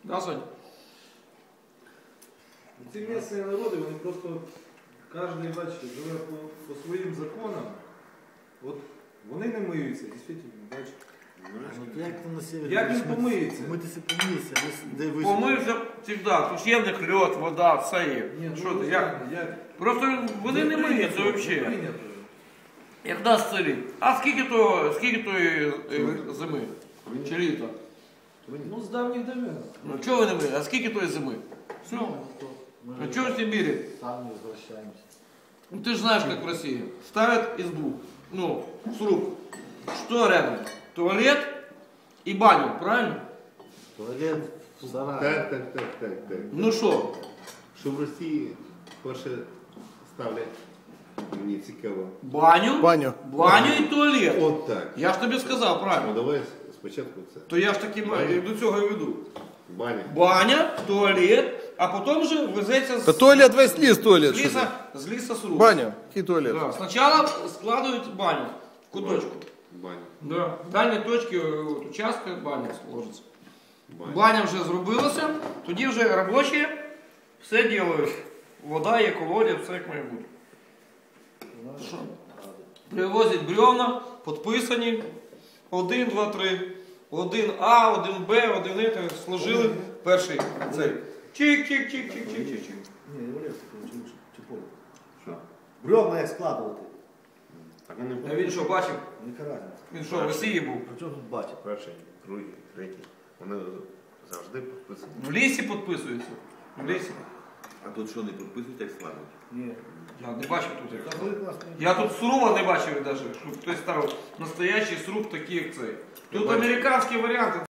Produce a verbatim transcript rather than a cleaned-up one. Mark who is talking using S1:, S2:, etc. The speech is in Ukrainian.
S1: Да, Сонь?
S2: Ці місцеві народи, вони просто кожен, бачите, живе по, по своїм законам. От вони не миються, дійсно, бачите.
S3: Ну, як там на севері?
S2: Як він помиється?
S3: Митися помиється, де ви...
S1: Помився завжди, тут є в них льод, вода, все є.
S2: Ні,
S1: Що
S2: ну,
S1: ти, як?
S2: як?
S1: Просто вони не миються
S2: Не
S1: взагалі.
S2: прийнято.
S1: Як нас селі. А скільки то, скільки тої е, зими? Чи літа?
S2: Ну, з давніх давен.
S1: Ну чого ви не миєте? А скільки тої зими? Все. А чого в Сибірі?
S3: Там не возвращаемся.
S1: Ну ты же знаешь, как в России. Ставят избу, ну, сруб. Что рядом? Туалет и баню, правильно?
S3: Туалет в сарае.
S4: Так, так, так, так, так.
S1: Ну что?
S4: Що в Росії перше ставлять, мені цікаво.
S1: Баню,
S5: Баню.
S1: баню і туалет.
S4: От так.
S1: Я ж тобі сказав,
S4: Ну
S1: правильно.
S4: давай спочатку це.
S1: То я ж таки
S4: Баня.
S1: до цього і веду.
S4: Баня.
S1: Баня, туалет, а потім вже везеться
S5: Та
S1: з,
S5: туалет, весь ліс туалет.
S1: з
S5: що
S1: ліса,
S5: ти?
S1: з ліса сруб.
S5: Баня, який туалет?
S1: Да. Спочатку складують баню в куточку.
S4: Баня.
S1: Да. В дальній точці от, участка баня сложиться.
S4: Баня.
S1: Баня вже зробилася, тоді вже робочі все роблять. Вода є, колодязь, все як має бути. Що? Привозять бревна, підписані. Один, два, три. Один А, один Б, один Е, сложили перший цей. Чик-чик-чик-чик-чик-чик.
S3: Ні, Єврейський, чи, чи поле.
S1: Що?
S3: Бревна як складувати.
S4: Так вони
S1: А він що, бачив?
S3: Яка разниця?
S1: Він що, в Росії був?
S3: При чому тут бачить?
S4: перший, другий, третій. Вони завжди підписані.
S1: В лісі підписується. В лісі.
S6: А тут що, не підписують, як складуть?
S3: Ні.
S1: Я не бачив тут. як
S3: Та
S1: це.
S3: ви класно.
S1: Я тут сруба не бачив навіть, щоб хтось ставив настоящий сруб такий, як цей. Тут американські варіанти.